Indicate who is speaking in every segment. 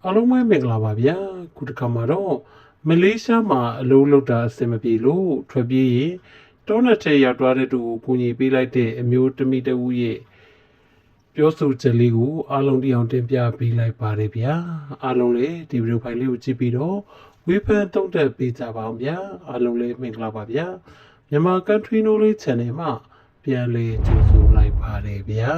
Speaker 1: အားလုံးပဲမင်္ဂလာပါဗျာခုတစ်ခါမှာတော့မလေးရှားမှာအလုပ်လုပ်တာအဆင်မပြေလို့ထွက်ပြေးရင်တောနဲ့ထဲရောက်သွားတဲ့သူကိုကူညီပေးလိုက်တဲ့အမျိုးသမီးတဦးရဲ့ပြောဆိုချက်လေးကိုအားလုံးတရားတင်ပြပေးလိုက်ပါတယ်ဗျာအားလုံးလည်းဒီဗီဒီယိုဖိုင်လေးကိုကြည့်ပြီးတော့ဝေဖန်တုံ့တက်ပေးကြပါအောင်ဗျာအားလုံးလည်းမင်္ဂလာပါဗျာမြန်မာ Country Knowledge Channel မှာပြန်လည်ကြိုဆိုလိုက်ပါတယ်ဗျာ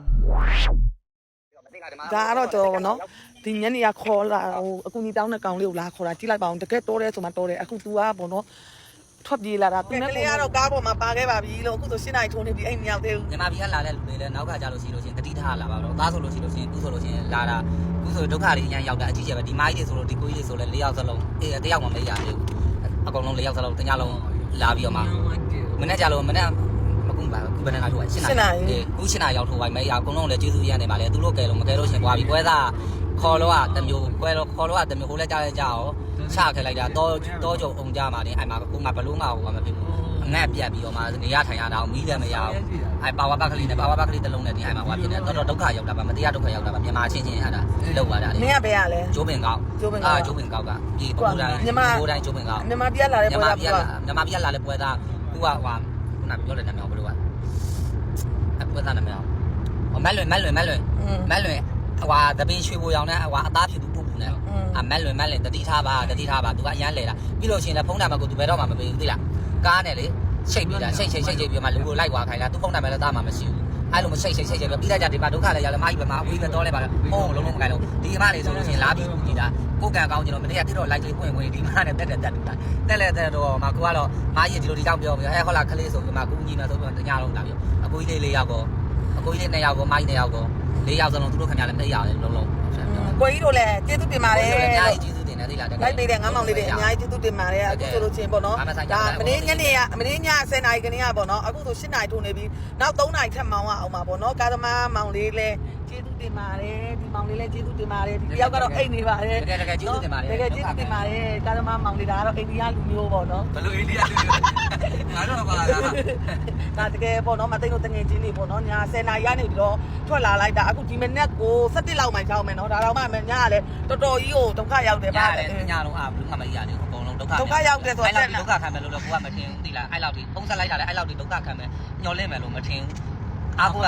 Speaker 2: ဒါကတော့ကျွန်တော်နော်ဒီညနေကခေါ်လာဟိုအကူကြီးတောင်းတဲ့ကောင်လေးကိုလာခေါ်တာကြည့်လိုက်ပါအောင်တကယ်တော်တယ်ဆိုမှတော်တယ်အခု तू ကပေါ့နော်ထွက်ပြေးလာတာသူနဲ့ကလေးကတော့ကားပေါ်မှာပါခဲ့ပါပြီလို့အခုဆို၈နိုင်ထိုးနေပြီအဲ့မရောက်သေးဘူး
Speaker 3: မြန်မာပြည်ကလာတဲ့လူတွေလည်းနောက်ကကြလို့ရှိလို့ချင်းတတိထားလာပါတော့သားဆိုလို့ရှိလို့ချင်းခုဆိုလို့ချင်းလာတာခုဆိုဒုက္ခတွေအရင်ရောက်တာအကြီးကျယ်ပဲဒီမိုင်းတွေဆိုလို့ဒီကိုကြီးတွေဆိုလည်း၄ယောက်စလုံးတယောက်မှမရသေးဘူးအကုန်လုံး၄ယောက်စလုံးတညလုံးလာပြီးတော့မှမနေ့ကြလို့မနေ့အခုပါခုဘယ်နဲ့လာထိုးပါ၈နိုင်ခု၈နိုင်ရောက်ထိုးပါမယ်အကုန်လုံးလည်းကျေးဇူးရနေပါလေသူတို့ကဲလို့မကဲလို့ရှင်ပွားပြီးပွဲသားခေါ်လို့ကတမျိုးပွဲလို့ခေါ်လို့ကတမျိုးကိုလည်းကြားရကြအောင်ချခဲ့လိုက်တာတောကြုံအောင်ကြမှာနေအဲ့မှာကိုငါဘလို့ငါဟိုမဖြစ်ဘူးအငတ်ပြတ်ပြီးတော့မှနေရထိုင်ရတာမီးလည်းမရဘူးအဲ့ပါဝါဘက်ကလေးနဲ့ပါဝါဘက်ကလေးတစ်လုံးနဲ့ဒီအဲ့မှာဟိုဖြစ်နေတော့ဒုက္ခရောက်တာပါမတရားဒုက္ခရောက်တာပါမြန်မာချင်းချင်းဟာတာလောက်ပါတာလေ
Speaker 2: မင်းကဘယ်ရလဲ
Speaker 3: ကျိုးပင်ကောက်ကျိုးပင်ကောက်ကဒီပူတိုင်းပူတိုင်းကျိုးပင်ကောက်
Speaker 2: မြန်မာပြည်လာတဲ့ပွဲသား
Speaker 3: မြန်မာပြည်လာတဲ့ပွဲသားသူကဟိုခုနပြောတဲ့နာမည်ဘယ်လိုကပွဲသားနာမည်မက်လွင်ဟွာတပင်းရွှေဘိုရောင်နဲ့ဟွာအသားဖြူသူပူနဲ့မက်လွင်တတိထားပါသူကအရန်လဲတာပြီးလို့ရှိရင်လည်းဖုန်းနံပါတ်ကိုသူဘယ်တော့မှမပေးဘူးသိလားကားနဲ့လေချိတ်ပြီးတာချိတ်ပြီးမှလူကိုလိုက်ွာခိုင်းတာသူဖုန်းနံပါတ်လည်းသားမှမရှိဘူးအဲ့လိုမချိတ်ပြီးပြီးလိုက်ကြဒီမှာဒုက္ခလည်းရောက်လည်းမကြီးပဲမအဝေးပဲတော့လဲပါလားဖုန်းလုံးမကိုင်းလို့ဒီအမလေးဆိုလို့ရှိရင်လာပြီးကြည့်တာကိုကံကောင်းကျွန်တော်မနေ့ကတိတော့လိုက်လေးဝင်ဒီမှာနဲ့တက်တော့မှကိုကတော့မကြီးဒီလိုဒီကြောင့်ပြောပြီးဟဲ့ဟောလာခလေးဆိုပြီးမှကိုကြီးမှဆိုပြီးတညလုံးလာပြီးအကိုကြီးလေး4ယောက်ကောအကိုကြီးလေး2ယောက်ကောမကြီး2ယောက်ကော4ယောက်စလုံးသူတို့ခင်ဗျားလည်းမရတယ်လုံး
Speaker 2: ကိုကြီးတို့လည်းကျေးဇူးတင်ပါတယ်
Speaker 3: အများကြီးကျေးဇူးတင်တယ်သိလား
Speaker 2: လိုက်နေတဲ့ငါးမောင်လေးတွေအများကြီးကျေးဇူးတင်ပါတယ်အခုဆိုလို့ချင်းပေါ့နော်ဒါမနေ့ညနေကမနေ့ည10:00နာရီကနေကပေါ့နော်အခုဆို8:00နာရီထိုးနေပြီနောက်3:00နာရီထပ်မောင်းအောင်ပါပေါ့နော်ကာသမားမောင်လေးလည်းကျေးဇူးတင်ပါတယ်ဒီမောင်လေးလည်းကျေးဇူးတင်ပါတယ်ဒီတယောက်ကတော့အိတ်နေပါတယ်
Speaker 3: တကယ်ကျေးဇူးတင်ပါတယ်
Speaker 2: တကယ်ကျေးဇူးတင်ပါတယ်ကာသမားမောင်လေးဒါကတော့အိန္ဒိယလူမျိုးပေါ့နော်
Speaker 3: ဘယ်လိုအိန္ဒိယလူမျိုးငါတော့ပါလား
Speaker 2: ဒါတကယ်ပေါ့နော်မသိလို့တငယ်ချင်းတွေပေါ့နော်ညာ10:00နာရီကနေပြီးတော့ထွက်လာလိုက်တာအခုဒီမနေ့ကို17လောက်မှကြောက်မယ်နော်ဒါတော့မှညကလည်းတော်တော်ကြီးကိုဒုက္ခရောက်တယ်
Speaker 3: ပါညလုံးဘလူးမှမရသေးဘူးအကုန်လုံးဒုက္ခ
Speaker 2: ရောက်တယ်ဆိုတော့
Speaker 3: ဒုက္ခခံမယ်လို့လည်းကိုကမထင်ဘူးသိလားအဲ့လောက်ထိပုံစံလိုက်တာလည်းအဲ့လောက်ထိဒုက္ခခံမယ်ညှော်လင့်မယ်လို့မထင်ဘူးအားကိုက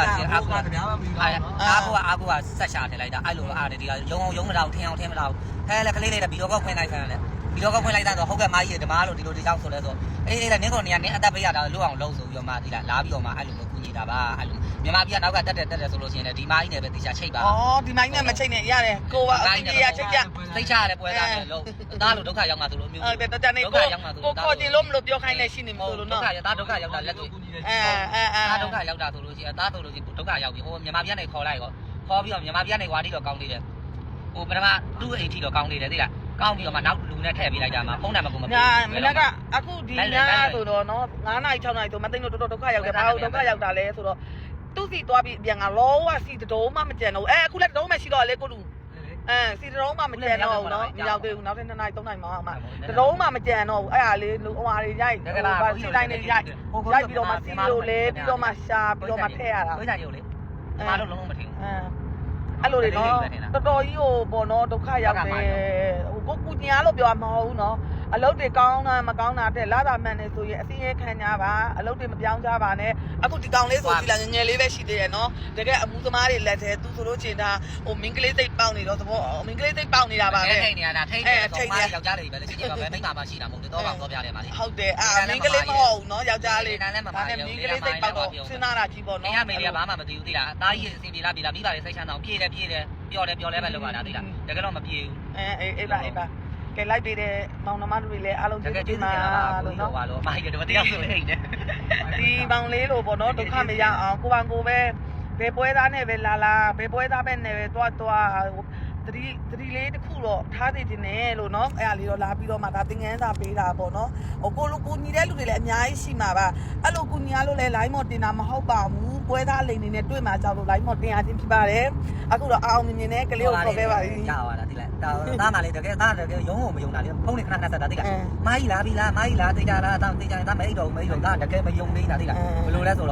Speaker 3: ဆက်ရှာထည့်လိုက်တာအဲ့လိုအားတယ်ဒီကရုံမတော့ထင်အောင်မတော့ဟဲလည်းကလေးလေးဗီဒီယိုကောက်ဖွင့်လိုက်ခံတယ်ဗီဒီယိုကောက်ဖွင့်လိုက်တာဆိုဟုတ်ကဲ့မကြီးဓမ္မလို့ဒီလိုဒီကြောင့်ဆိုလဲဆိုအေးနင်းကုန်နေရနင်းအသက်ပေးရတာလို့အောင်လုပ်ဆိုပြီးတော့မှဒီလားလာပြီးတော့မှအဲ့လိုကူညီတာပါအဲ့လိုမြန်မာပြည်ကနောက်ကတက်တယ်ဆိုလို့ရှိရင်လည်းဒီမကြီးနဲ့ပဲတေချာချိတ်ပါ
Speaker 2: ဩဒီမကြီးနဲ့မချိတ်နဲ့ရတယ်ကိုကအတိအကျချိတ်ကြ
Speaker 3: သိချရတယ်ပွဲသားတယ်လို့သားလို့ဒုက္ခရောက်မှသူလို့မျိုး
Speaker 2: ဟုတ်တယ်တနေကိုခေါ်ကြည့်လို့မလို့ပြောခိုင်းနေရှိနေမလို့နော်
Speaker 3: သားဒုက္ခရောက်တာလက်တွေ့သားဒုက္ခရောက်တာဆိုလို့ရှိရင်သားဆိုလို့ရှိရင်ဒုက္ခရောက်ပြီဟိုမြန်မာပြည်ကနေခေါ်လိုက်ရောခေါ်ပြီးတော့မြန်မာပြည်ကနေဝါတီတော့ကောင်းသေးတယ်ဟိုပထမသူ့အိမ်ထီတော့ကောင်းသေးတယ်သိလားကောင်းပြီးတော့မှနောက်လူနဲ့ထည့်ပေးလိုက်တာမှဖုန်းနံပါတ်ကိုမပေးဘူး
Speaker 2: ။မနက်ကအခုဒီညဆိုတော့နော်9နာရီ6နာရီဆိုမသိလို့တော်တော်ဒုက္ခရောက်တယ်။ဘာလို့ဒုက္ခရောက်တာလဲဆိုတော့သူ့စီသွားပြီးပြန်ကလောဝစီတုံးမှမကြံတော့အခုလည်းတုံးမှရှိတော့လေကိုလူစီတုံးမှမကြံတော့ဘူးနော်မရောက်သေးဘူးနောက်ထပ်2နာရီ3နာရီမှအောင်မှတုံးမှမကြံတော့ဘူးအဲ့ဒါလေးဟိုဟာတွေရိုက်ဟိုစီတိုင်းတွေရိုက်ပြီးတော့မှစီလိုလဲပြီးတော့မှရှာပြီးတော့မှထည့်ရတာ
Speaker 3: ဝိဇ္ဇာရုပ်လေမလုံးလုံးမထင်ဘူး
Speaker 2: အဲ့လိုတွေနော်တော်တော်ကြီးဟိုပေါ့နော်ဒုက္ခရောက်တယ်ဟိုကိုကူညာလို့ပြောမှာမဟုတ်ဘူးနော်အလုပ်တွေကောင်းတာမကောင်းတာတဲ့လာတာမှန်တယ်ဆိုရင်အစင်းရဲခံကြပါအလုပ်တွေမပြောင်းကြပါနဲ့အခုဒီကောင်လေးဆိုဒီလာငငယ်လေးပဲရှိသေးတယ်နော်တကယ်အမှုသမားတွေလက်ထဲသူဆိုလို့ချင်တာဟိုမင်းကလေးသိပ်ပေါက်နေတော့သဘောမင်းကလေးသိပ်ပေါက်နေတာပါပဲ
Speaker 3: ထိတ်နေရတာထိတ်တယ်ဆိုမှယောက်ျားလေးပဲလေချင်းချင်းပါပဲမိန်းမမရှိတာမဟုတ်ဘူးတော့ပါတော့ပြတယ်ပါလေ
Speaker 2: ဟုတ်တယ်မင်းကလေးမဟုတ်ဘူးနော်ယောက်ျားလေးဒါနဲ့မင်းကလေးသိပ်ပေါက်တော့စဉ်းစားတာကြီးပေါ့နော်
Speaker 3: မင်းကမေလေးကဘာမှမသိဘူးသိလားအသားကြီးအစီပြေလာပြီးပါလေစိတ်ချမ်းသာပြေးတယ်ပြောလဲပဲလုပ်ရတာသိလားတကယ်တော့မပြေဘူး
Speaker 2: အေးပါကဲလိုက်ပေးတဲ့မောင်နှမတို့တွေလည်းအားလုံးကျေးဇူးတင်ပါ
Speaker 3: လို့နော်။မိုက်တယ်တော့တရားဆိုနေတယ်
Speaker 2: ။ဒီမောင်လေးလို့ပေါ့နော်ဒုက္ခမရအောင်ကိုယ်ပဲဘယ်ပွဲသားနဲ့ပဲလာဘယ်ပွဲသားပဲနဲ့ပဲသွားသတိလေးတစ်ခုတော့ထားသိတင်တယ်လို့နော်အဲ့ဒါလေးတော့လာပြီးတော့မှဒါသင်ငန်းစာပေးတာပေါ့နော်ဟိုကိုလူကိုညီတဲ့လူတွေလည်းအများကြီးရှိမှာပါအဲ့လိုကိုညီရလို့လည်း line မော်တင်တာမဟုတ်ပါဘူးပွဲသားလိန်နေနဲ့တွေ့မှာကြောက်လို့ line မော်တင်ရခြင်းဖြစ်ပါတယ်အခုတော့အောင်မြင်နဲ့ကလေးကိုခေါ်ခဲ့ပါပြီ
Speaker 3: ရပါလားသိလားသားမလေးတကယ်ရုံးကိုမယုံတာလေဖုန်းနဲ့ခဏဆက်တာသိလားမာကြီးလားပြီလားမာကြီးလားသိကြလားသားသိကြရင်သားမအိတ်တော့ဒါတကယ်မယုံနေတာသိလားဘယ်လိုလဲဆိုတော့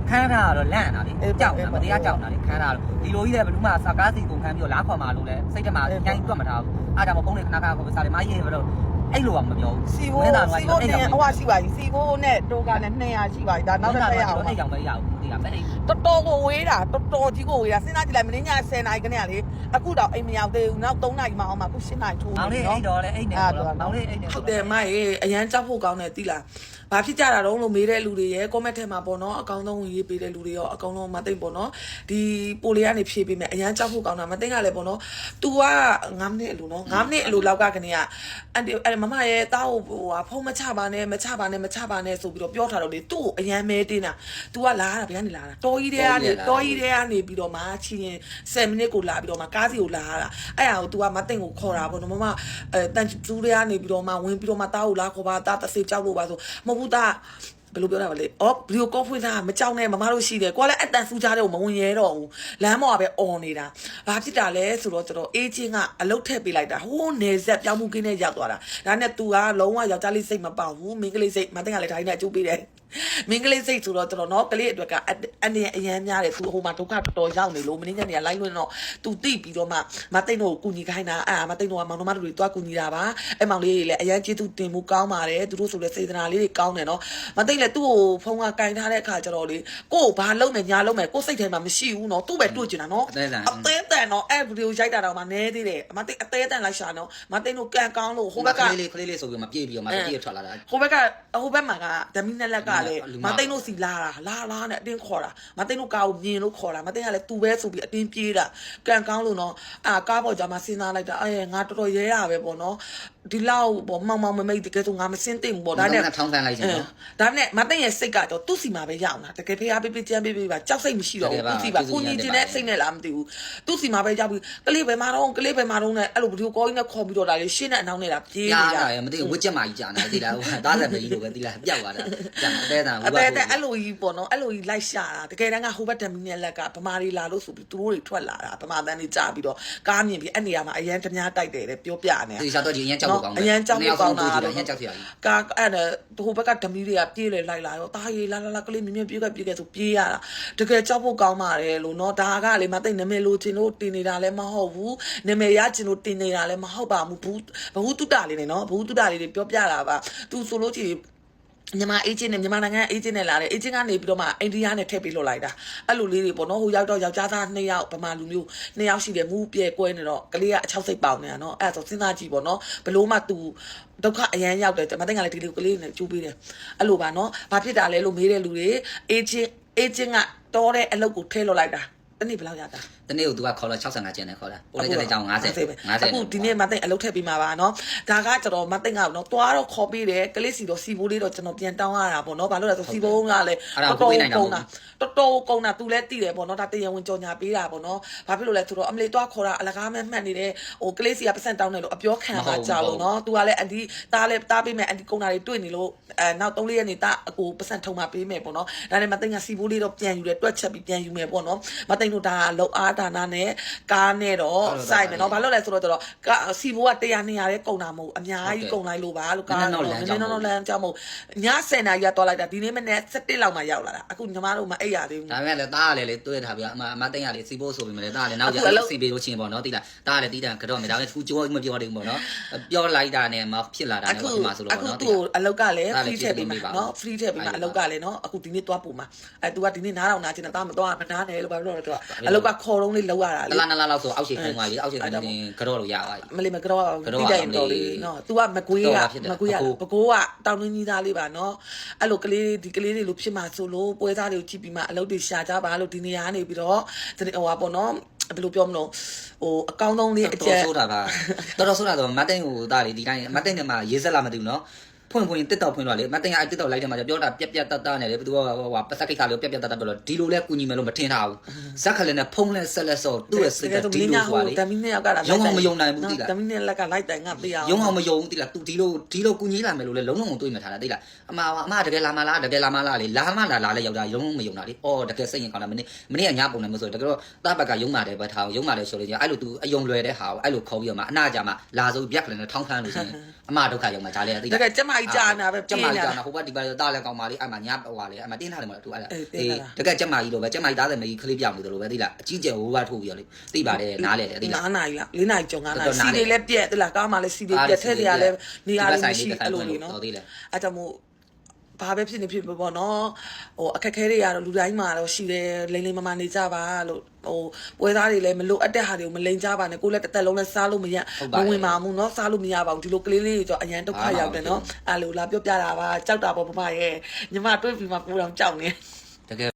Speaker 3: ခန်းထားတော့လန့်တာလေကြောက်တာမတရားကြောက်တာလေခန်းထားတော့ဒီလိုကြီးလည်းဘယ်သူမှစကားစီကိုခန်းပြီးတော့လားခေါ်မှာလို့လဲစိတ်ထဲမှာညှိုင်းတွက်မထားဘူးအားကြောင့်ပုံးလေးခဏခဏခေါ်ပြီးစားတယ်မရေးဘယ်တော့အဲ့လိုကမပြောဘူး
Speaker 2: စီဘိုးနဲ့ဟိုရှိပါပြီစီဘိုးနဲ့တိုးကနဲ့200ရှိပါပြီဒါနောက်တစ်ခါရအောင်
Speaker 3: အဲ့ကြောင့်ပဲရအောင်ဒီကပဲလေ
Speaker 2: တော်တော်ကိုဝေးတာတော်တော်ကြီးကိုဝေးတာစဉ်းစားကြည့်လိုက်မင်းည10နာရီခဏလေအခုတော့အိမ်မရောက်သေးဘူးနောက်3နာရီမှအောင်မှအခု7နာရီထိုးနေ
Speaker 3: မောင်လေးအဲ့တော့လေအဲ့နေတော့မောင်လေးအဲ့နေ
Speaker 2: ဟုတ်တယ်မရေအရန်ကြောက်ဖို့ကောင်းတယ်သိလားဘာဖြစ်ကြတာတော့လို့မေးတဲ့လူတွေရဲ့ comment ထဲမှာပေါ့နော်အကောင်းဆုံးဝင်ရေးပေးတဲ့လူတွေရောအကောင်းဆုံးမသိပေါ့နော်ဒီပိုလေးကနေဖြည့်ပေးမယ်အရန်ကြောက်ဖို့ကောင်းတာမသိကလည်းပေါ့နော် तू က9မိနစ်အလိုနော်9မိနစ်အလိုလောက်ကကနေအဲ့မမရဲ့တားကိုဖုန်းမချပါနဲ့မချပါနဲ့ဆိုပြီးတော့ပြောထားတော့လေသူ့ကိုအရန်မဲတင်းတာ तू ကလာတာဗျာနေလာတာတော်ကြီးတဲ့ကနေပြီးတော့မှချီရင်10မိနစ်ကိုလာပြီးတော့မှကားစီကိုလာတာအဲ့ဟာကို तू ကမသိကိုခေါ်တာပေါ့နော်မမတန်ကျူးတွေကနေပြီးတော့မှဝင်ပြီးတော့မှတားကိုလာခေါ်ပါတားတစ်စိတ်ကြောက်လို့ပါဆိုမဟုတ်ဘူးတားဘယ်လိုပြောတာပါလဲအော်ဗီဒီယိုကောဖွင့်တာမကြောက်နဲ့မမတို့ရှိတယ်ကိုကလည်းအတန်စူးကြတဲ့ကိုမဝင်ရဲတော့ဘူးလမ်းပေါ်ကပဲអော်နေတာဘာဖြစ်တာလဲဆိုတော့ကျွန်တော်အေးချင်းကအလုတ်ထည့်ပေးလိုက်တာဟိုးနေဆက်ပြောင်းမှုကင်းနဲ့ရောက်သွားတာဒါနဲ့ तू ကလုံးဝယောက်ျားလေးစိတ်မပေါဘူးမိန်းကလေးစိတ်မသိကလည်းဒါကြီးနဲ့အကျိုးပေးတယ်မင်းကလေးစိတ်ဆိုတော့ကျွန်တော်နော်ကလေးအတွက်အနေအရန်များတယ်သူဟိုမှာဒုက္ခတော်တော်ရောက်နေလို့မင်းညနေကလိုက်လွန်းတော့ तू တိပြီးတော့မှမသိတော့ကူညီခိုင်းတာမသိတော့မောင်နှမတို့တွေတွားကူညီတာပါအဲ့မောင်လေးတွေလည်းအရန်ကျေးဇူးတင်မှုကောင်းပါတယ်သူတို့ဆိုလည်းစေတနာလေးတွေကောင်းတယ်နော်မသိလဲသူ့ကိုဖုန်းကကင်ထားတဲ့အခါကျတော့လေကို့ဘာလုံးမယ်ညာလုံးမယ်ကို့စိတ်ထဲမှာမရှိဘူးနော်သူ့ပဲတွေ့ကျင်တာနော်အသေးတန်နော်အဲ့ဗီဒီယိုရိုက်တာတော့မှနဲသေးတယ်မသိအသေးတန်လိုက်ရှာနော်မသိတို့ကန်ကောင်းလို့ဟိုဘက်က
Speaker 3: ကလေးဆိုပြီးမှပြေးပြီးတော့မှပြေးထွက်လာတာ
Speaker 2: ဟိုဘက်မှာကဓမီနဲ့လက်ကလည်းမသိတို့စီလာနဲ့အတင်းခေါ်တာမသိတို့ကားကိုမြင်လို့ခေါ်တာမသိကလည်းသူပဲဆိုပြီးအတင်းပြေးတာကန်ကောင်းလို့နော်ကားပေါ်ကြမှာစဉ်းစားလိုက်တာငါတော်တော်ရဲရပဲပေါ့နော်ဒီလောက်ပေါ့မောင်မိတ်တကယ်ဆိုငါမစင်းသိဘူးပေါ့ဒါနဲ့
Speaker 3: ထောင်းဆန်းလိုက်ချင်နော်
Speaker 2: ဒါနဲ့မသိရဲ့စိတ်ကတော့သူ့စီမှာပဲရောက်လာတကယ်ဖေးအားပေးကြမ်းပေးပါကြောက်စိတ်မရှိတော့ဘူးသူ့စီပါကိုကြီးချင်းနဲ့စိတ်နဲ့လားမသိဘူးသူ့စီမှာပဲရောက်ပြီးကလေးပဲမာတော့နဲ့အဲ့လိုဗီဒီယိုကောကြီးနဲ့ခေါ်ပြီးတော့ဒါလေးရှင်းတဲ့အနောက်နဲ့တာပြေးနေတာ
Speaker 3: မသိဘူးဝစ်ချက်မာကြီးကြာနေသေးလားသားဆက်မကြီးလိုပဲသီလားပျောက်သွားတာကြာအသေးတာ
Speaker 2: အဲ့လိုကြီးပေါ့နော်အဲ့လိုကြီးလိုက်ရှာတာတကယ်တမ်းကဟိုဘက်ဓမီနဲ့လက်ကဗမာတွေလာလို့ဆိုပြီးသူတို့တွေထွက်လာတာဗမာတန်းတွေကြာပြီးတော့ကားမြင်ပြီးအဲ့နေရာမှာအရန်တများတိုက်တယ်တဲ့ပြောပြနေ
Speaker 3: ဒီစားတော့ဒီအရန်ကြောက်ဖို့ကောင်းတယ်
Speaker 2: အရန်ကြောက်ဖို့ကောင်းတာ
Speaker 3: အရန်ကြောက်စရာကြီး
Speaker 2: ကာအဲ့ဟိုဘက်ကဓမီတွေကပြေးလေလိုက်လာရောတားရီလာကလေးမြင်ပြေးခဲ့ဆိုပြေးရတာတကယ်ကြောက်ဖို့ကောင်းပါတယ်လို့နော်ဒါကလေမသိနာမည်လိုချင်လို့တင်နေတာလည်းမဟုတ်ဘူးနာမည်ရချင်လို့တင်နေတာလည်းမဟုတ်ပါဘူးဘဝတုတလေးနေနော်ဘဝတုတလေးတွေပြောပြတာပါသူဆိုလို့ချင်မြန်မာအေဂျင့်နဲ့မြန်မာနိုင်ငံအေဂျင့်နဲ့လာတယ်အေဂျင့်ကနေပြီးတော့မှအိန္ဒိယနဲ့ထည့်ပြီးလွှတ်လိုက်တာအဲ့လိုလေးတွေပေါ့နော်ဟိုရောက်တော့ယောက်ျားသား2ယောက်ဗမာလူမျိုး2ယောက်ရှိတယ်မူးပြဲကွဲနေတော့ကလေးကအ6စိတ်ပေါင်နေတာနော်အဲ့ဒါဆိုစဉ်းစားကြည့်ပေါ့နော်ဘလို့မှသူဒုက္ခအရန်ရောက်တယ်မသိငါလည်းဒီလေးကလေးနဲ့ကျူးပေးတယ်အဲ့လိုပါနော်ဘာဖြစ်တာလဲလို့မေးတဲ့လူတွေအေဂျင့်ကတော်တဲ့အလုပ်ကိုထည့်လွှတ်လိုက်တာတနေ့ဘယ်လောက်ရတာ
Speaker 3: တနေ့ကိုသူကခေါ်လာ65ကျန်တယ်ခေါ်လာပိုလိုက်တဲ့ကြောင်50
Speaker 2: အခုဒီနေ့မသိအလုပ်ထည့်ပြီးမှာပါနော်ဒါကကျွန်တော်မသိငါ့နော်တွားတော့ခေါ်ပေးတယ်ကလေးစီတော့စီဘိုးလေးတော့ကျွန်တော်ပြန်တောင်းရတာပေါ့နော်ဘာလို့လဲဆိုစီဘိုးကလည်းတော်တော်ကုန်တာသူလည်းသိတယ်ပေါ့နော်ဒါတရားဝင်ကြော်ညာပေးတာပေါ့နော်ဘာဖြစ်လို့လဲဆိုတော့အမလေးတွားခေါ်တာအလကားမဲ့မှတ်နေတယ်ဟိုကလေးစီကပတ်စံတောင်းတယ်လို့အပြောခံတာကြောက်လို့နော်သူကလည်းအန်တီတားလည်းတားပေးမယ်အန်တီကုန်တာတွေတွေ့နေလို့နောက်3-4ရက်နေတာအကိုပတ်စံထုံမှာပေးမယ်ပေါ့နော်ဒါနဲ့မသိငါစီဘိုးလေးတော့ပြန်ယူတယ်တွက်ချက်ပြီးပြန်ယူမယ်ပေါ့နော်မသိတို့ဒါလောက်အားဒါနာနဲ့ကားနဲ့တော့စိုက်မယ်နော်ဘာလို့လဲဆိုတော့စီဘိုးက100 200ရဲကုန်တာမဟုတ်အများကြီးကုန်လိုက်လို့ပါလို့ကားတော့နည်းနည်းလမ်းကြောက်မဟုတ်ည10နာရီကသွားလိုက်တာဒီနေ့မနေ့7လောက်မှရောက်လာတာအခုညီမတို့မအိပ်ရသေးဘူး
Speaker 3: ဒါပေမဲ့လည်းတားရတယ်လေတွေ့ထားပြီးအမသိရလေစီဘိုးဆိုပြီးမလဲတားလည်းနောက်ကျစီဘေးလို့ချင်းပေါ့နော်တိလားတားလည်းတီးတန်ကတော့မယ်ဒါလည်းသူကြောမပြောသေးဘူးပေါ့နော်ပြောလိုက်တာနဲ့မှဖြစ်လာတာနဲ့ပေါ့ဒီမှာဆိုလို့ပေါ့နော်
Speaker 2: အခုသူအလောက်ကလည်း free ထည့်ပေးမှာနော် free ထည့်ပေးမှာအလောက်ကလည်းနော်အခုဒီနေ့သွားပို့မှာသူကဒီနေ့နားတော့နားချင်တာမသွားမနားနဲ့လို့ဘာလို့လဲတော့အလောက်ကခေါ်တော့လေးလောက်ရတာလေ
Speaker 3: 2လလောက်ဆိုအောက်ရှိခိုင်းသွားပြီအောက်ရှိခိုင်းရင်ကတော့လို့ရသွားပြီ
Speaker 2: မလေးမကတော့တိတယ်တော်လေးနော် तू ကမကွေးရပကိုးကတောင်းနှင်းကြီးသားလေးပါနော်အဲ့လိုကလေးဒီကလေးတွေလိုဖြစ်မှာဆိုလို့ပွဲစားတွေကိုကြည့်ပြီးမှအလုပ်တွေရှာကြပါလို့ဒီနေရာကနေပြီးတော့ဟိုပါပေါ့နော်ဘယ်လိုပြောမလို့ဟိုအကောင်းဆုံးလေးအကျ
Speaker 3: တော်ဆိုတာပါတော်ဆိုတာဆိုမတ်တိန်ဟိုသားလေးဒီတိုင်းမတ်တိန်ကမှရေးဆက်လာမသိဘူးနော်ဖွင့်တက်တော့ဖွင့်တော့လေမတင်ကအဲ့တက်တော့လိုက်တယ်မှာပြောတာပြက်တတ်နေတယ်ဘယ်သူကဟိုပတ်သက်ကိစ္စလေးပြက်တတ်ပြောလို့ဒီလိုလဲကူညီမယ်လို့မထင်ထားဘူးဇက်ခလည်းနဲ့ဖုံးလဲဆက်လက်စောသူ့ရဲ့စိတ်ကဒီလိုဆိုလေ
Speaker 2: တမီးနဲ့ယောက်ကလာ
Speaker 3: ရုံအောင်မယုံနိုင်ဘူးတိလား
Speaker 2: တမီးနဲ့လက်ကလိုက်တိုင်ငါပေးအောင်
Speaker 3: ရုံအောင်မယုံတိလား तू ဒီလိုကူညီလာမယ်လို့လဲလုံးလုံးတွေးမှထားတာတိလားအမတကယ်လာမလားလေလာမလားလဲယောက်ျားရုံမယုံတာလေအော်တကယ်စိတ်ရင်ကောင်းတာမနေ့ကညပုံနေမဆိုတကယ်တော့တားဘက်ကရုံမာတယ်ပဲထားရုံမာတယ်ဆိုလို့အဲ့လို तू အယုံလွယ်တဲ့ဟာကိုအဲ့လိုခေါ်ပြီးတော့မှအနာကြမှာလာဆိုပြက်ခလည်းနဲ့ထောင်းခန်းလို့ရှိရင်အမဒုက္ခရောက်မှာဒါလည်းတိလား
Speaker 2: တကယ်ကျမကြီးကြာနေတာပဲ
Speaker 3: ကျမကြီးကြာနာဟိုဘက်ဒီဘက်တားလဲကောင်းပါလေအဲ့မှာညဟိုဟာလေအဲ့မှာတင်းထားတယ်မလားသူအဲ့ဒါတကယ်ကျမကြီးလိုပဲကျမကြီးသားတယ်မကြီးခလေးပြောင်းနေတယ်လို့ပဲသိလားအကြီးကျယ်ဟိုဘက်ထိုးပြီးတော့လေသိပါတယ်နားလဲတယ်သိလား
Speaker 2: 9 နာရီလား4 နာရီကျော်9 နာရီစီတွေလည်းပြက်သိလားကားမှလည်းစီတွေပြက်ထဲတွေကလည်းနေရာလေးမရှိအဲ့လိုလေနော်အဲ့ကြောင့်မို့ဘာပဲဖြစ်နေဖြစ်ပေါ့နော်ဟိုအခက်ခဲတွေရတော့လူတိုင်းမှာတော့ရှိတယ်လိမ့်လိမ့်မမနေကြပါလို့ဟိုပွဲသားတွေလည်းမလို့အပ်တဲ့ဟာတွေကိုမလိမ့်ကြပါနဲ့ကိုလည်းတစ်သက်လုံးလည်းစားလို့မရမဝင်ပါဘူးเนาะစားလို့မရပါဘူးဒီလိုကလေးလေးတွေကြောအရန်ဒုက္ခရောက်တယ်เนาะအဲ့လိုလာပြောပြတာပါကြောက်တာပေါ့မမရဲ့ညီမတွေးပြီးမှပူအောင်ကြောက်နေ
Speaker 3: တကယ်